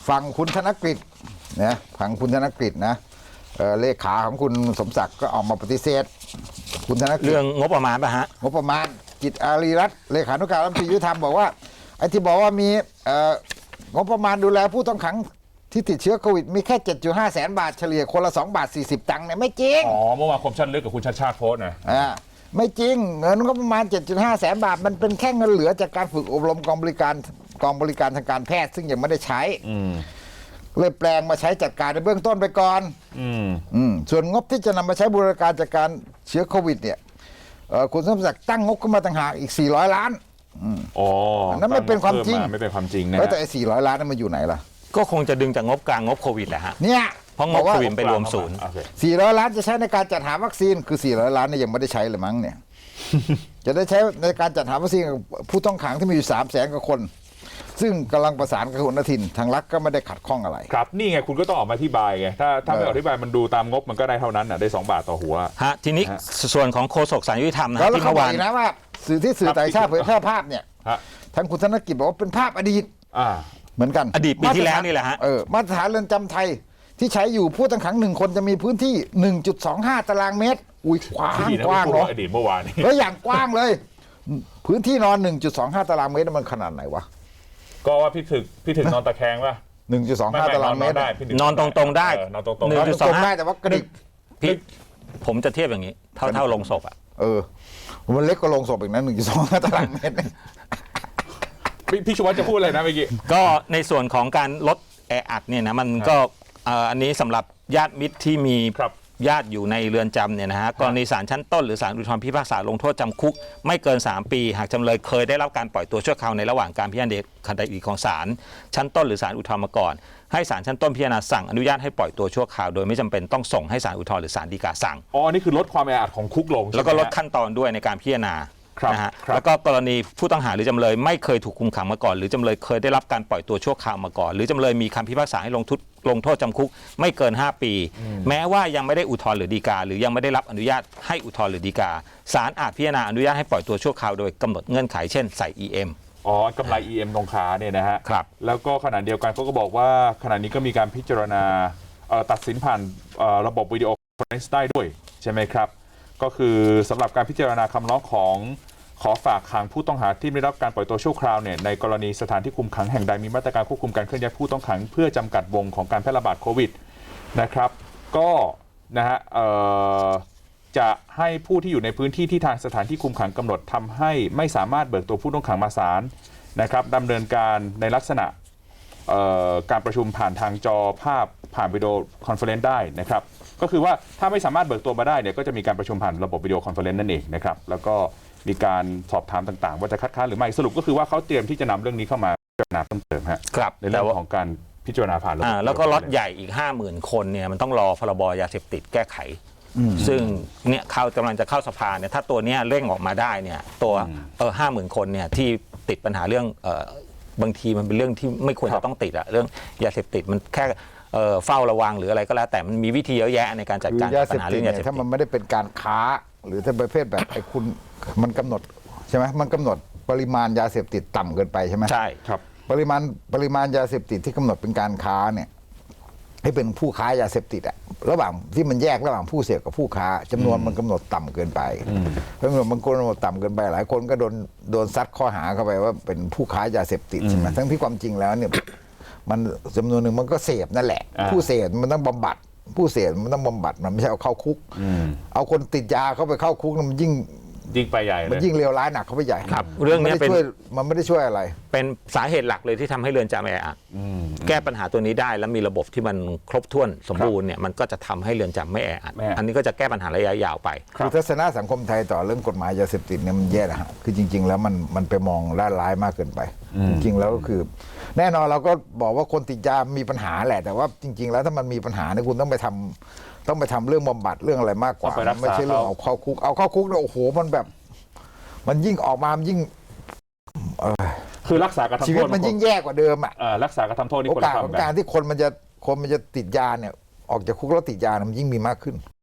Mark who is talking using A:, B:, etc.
A: ฝั่งคุณธนกฤษนะฝั่งคุณธนกฤษนะเลขาของคุณสมศักดิ์ก็ออกมาปฏิเสธคุณธนกฤษ
B: เรื่องงบประมาณป่ะฮะ
A: งบประมาณกิจอารีรัตน์เลขานุการรัฐมนตรียุติธรรมบอกว่าไอ้ที่บอกว่ามีงบประมาณดูแลผู้ต้องขังที่ติดเชื้อโควิดมีแค่ 7.5 แสนบาทเฉลี่ยคนละ2 บาท 40 ตังค์เนี่ยไม่จริง
C: เมื่อวานคมชัดลึกกับคุณชาติชาติโพสต์นะ
A: ไม่จริงเงินงบประมาณ 7.5 แสนบาทมันเป็นแค่เงินเหลือจากการฝึกอบรมกองบริการทางการแพทย์ซึ่งยังไม่ได้ใช้เลยแปลงมาใช้จัดการในเบื้องต้นไปก่อนส่วนงบที่จะนำมาใช้บูรณาการจัดการเชื้อโควิดเนี่ยคุณสมศักดิ์ตั้งงบขึ้นมาต่างหากอีก400 ล้านนั่นไม่เป็นความจริง
C: ไม่เป็นความจริงนะ
A: แต่ไอ้400 ล้านนั้นมันอยู่ไหนล่ะ
B: ก็คงจะดึงจากงบกลางงบโควิดแหละฮะ
A: เนี่ย
B: เพราะงบโควิดไปรวมศูนย์
A: 400 ล้านจะใช้ในการจัดหาวัคซีนคือ400 ล้านเนี่ยยังไม่ได้ใช้เลยมั้งเนี่ย จะได้ใช้ในการจัดหาวัคซีนผู้ต้องขังที่มีอยู่300,000 กว่าคนซึ่งกำลังประสานกับคุณอนุทินทางรัฐก็ไม่ได้ขัดข้องอะไร
C: ครับนี่ไงคุณก็ต้องออกมาอธิบายไงถ้าไม่อธิบายมันดูตามงบมันก็ได้เท่านั้นได้2 บาทต่อหัว
B: ฮะทีนี้ส่วนของโฆษกศาลยุติธรรมนะ
A: ที่เมื่อวานนะว่าสื่อต่างชาติเผยแพร่ภาพเนี่ยทางคุณธนกิจบอกว่าเป็นภาพอดีตเหมือนกัน
B: อดีตปีที่แล้วนี่แหละฮะ
A: มาตรฐานเรือนจำไทยที่ใช้อยู่ผู้ต้องขัง1 คนจะมีพื้นที่ 1.25 ตารางเมตรอุ้ยกว้างเนาะ
C: อดีตเมื่อวานนี้
A: แล้วอย่างกว้างเลยพื้นที่นอน 1.25 ตารางเมตรมันขนาดไหนวะ
C: ก็ว่าพี่ถึกนอนตะแคงป่ะ
A: 1.25 ตารางเมตร
B: นอนตรงๆได้
C: นอนตรง
A: ๆได้แต่ว่ากระดิก
B: พี่ผมจะเทียบอย่างนี้เท่าลงศพอ่ะ
A: มันเล็กกว่าลงศพอีกนะ 1.25 ตารางเมตร
C: พี่ชูวัฒน์จะพูดอะไรนะเมื่อกี้
B: ก็ในส่วนของการลดแออัดเนี่ยนะมันก็อันนี้สำหรับญาติมิตรที่มีญาติอยู่ในเรือนจำเนี่ยนะฮะกรณีศาลชั้นต้นหรือศาลอุทธรณ์พิพากษาลงโทษจำคุกไม่เกิน3 ปีหากจำเลยเคยได้รับการปล่อยตัวชั่วคราวในระหว่างการพิจารณาคดีของศาลชั้นต้นหรือศาลอุทธรณ์มาก่อนให้ศาลชั้นต้นพิจารณาสั่งอนุญาตให้ปล่อยตัวชั่วคราวโดยไม่จำเป็นต้องส่งให้ศาลอุทธรณ์หรือศาลฎีกาสั่ง
C: นี่คือลดความแออัดของคุกลง
B: แล้วก็ลดขั้นตอนด้วยในการพิจารณานะฮะแล้วก็กรณีผู้ต้องหาหรือจำเลยไม่เคยถูกคุมขังมาก่อนหรือจำเลยเคยได้รับการปล่อยตัวชั่วคราวมาก่อนหรือจำเลยมีคำพิพากษาให้ลงโทษจำคุกไม่เกิน5 ปีแม้ว่ายังไม่ได้อุทธรณ์หรือฎีกาหรือยังไม่ได้รับอนุญาตให้อุทธรณ์หรือฎีกาศาลอาจพิจารณาอนุญาตให้ปล่อยตัวชั่วคราวโดยกำหนดเงื่อนไขเช่นใส่ EM
C: กำไร EM ตรงขาเนี่ยนะฮะ
B: ครับ
C: แล้วก็ขณะเดียวกันเขาก็บอกว่าขณะนี้ก็มีการพิจารณาตัดสินผ่านระบบวิดีโอคอนเฟอเรนซ์ได้ด้วยใช่ไหมครับก็คือสำหรับการพิจารณาคำร้องของขอฝากขังผู้ต้องหาที่ไม่รับการปล่อยตัวชั่วคราวเนี่ยในกรณีสถานที่คุมขังแห่งใดมีมาตรการควบคุมการเคลื่อนย้ายผู้ต้องขังเพื่อจำกัดวงของการแพร่ระบาดโควิดนะครับก็นะฮะจะให้ผู้ที่อยู่ในพื้นที่ที่ทางสถานที่คุมขังกำหนดทำให้ไม่สามารถเบิกตัวผู้ต้องขังมาศาลนะครับดำเนินการในลักษณะการประชุมผ่านทางจอภาพผ่านวิดีโอคอนเฟอเรนซ์ได้นะครับก็คือว่าถ้าไม่สามารถเบิกตัวมาได้เนี่ยก็จะมีการประชุมผ่านระบบวิดีโอคอนเฟอเรนซ์นั่นเองนะครับแล้วก็มีการสอบถามต่างๆว่าจะคัดค้านหรือไม่สรุปก็คือว่าเขาเตรียมที่จะนำเรื่องนี้เข้ามาพิจารณาเพิ่มเติม
B: ครับ
C: ในเรื่องของการพิจารณาผ่านระบบ
B: แล้วก็ล็อตใหญ่อีก 50,000 คนเนี่ยมันต้องรอพรบยาเสพติดแก้ไขซึ่งเนี่ยเขากำลังจะเข้าสภาเนี่ยถ้าตัวเนี้ยเร่งออกมาได้เนี่ยตัว50,000 คนเนี่ยที่ติดปัญหาเรื่องบางทีมันเป็นเรื่องที่ไม่ควรจะต้องติดอะเรื่องยาเสพติดมันแค่เฝ้าระวังหรืออะไรก็แล้วแต่มันมีวิธีเยอะแยะในการจัดการปัญหาเรื่องยาเสพติด
A: ถ้ามันไม่ได้เป็นการค้าหรือถ้าประเภทแบบไอ้คุณมันกำหนดใช่ไหมมันกำหนดปริมาณยาเสพติดต่ำเกินไปใช่ไหม
B: ใช่ครับ
A: ปริมาณยาเสพติดที่กำหนดเป็นการค้าเนี่ยให้เป็นผู้ค้ายาเสพติดอะระหว่างที่มันแยกระหว่างผู้เสพกับผู้ค้าจำนวนมันกำหนดต่ำเกินไปเพราะมันกำหนดต่ำเกินไปหลายคนก็โดนซัดข้อหาเข้าไปว่าเป็นผู้ค้ายาเสพติดใช่ไหมทั้งที่ความจริงแล้วเนี่ยมันจำนวนหนึ่งมันก็เสพนั่นแหละผู้เสพมันต้องบำบัดผู้เสพมันต้องบำบัดมันไม่ใช่เอาเข้าคุกเอาคนติดยาเข้าไปเข้าคุกมันยิ่ง
C: ไปใหญ่เลย
A: มันยิ่งเลวร้ายหนักเข้าไปใหญ่
B: ครับเรื่องนี้
A: มันไม่ได้ช่วยอะไร
B: เป็นสาเหตุหลักเลยที่ทำให้เรือนจำแออัดแก้ปัญหาตัวนี้ได้แล้วมีระบบที่มันครบถ้วนสมบูรณ์เนี่ยมันก็จะทำให้เรือนจำไม่แออัดอันนี้ก็จะแก้ปัญหาระยะยาวไป
A: คือทัศนะสังคมไทยต่อเรื่องกฎหมายยาเสพติดเนี่ยมันแย่นะฮะคือจริงๆแล้วมันไปมองด้านร้ายมากเกินไปจริงๆแล้วก็คือแน่นอนเราก็บอกว่าคนติดยามีปัญหาแหละแต่ว่าจริงๆแล้วถ้ามันมีปัญหาเนี่ยคุณต้องไปทำเรื่องบำบัดเรื่องอะไรมากกว่าไม่ใช่เรื่องเอาเข้าคุกเนี่ยโอ้โหมันยิ่งออกมามันยิ่ง
C: คือรักษาการทำโทษ
A: ชีวิตมันยิ่งแย่กว่าเดิมอ่ะ
C: รักษาการทำโทษนี่
A: โอกาสของการที่คนมันจะติดยาเนี่ยออกจากคุกแล้วติดยามันยิ่งมีมากขึ้น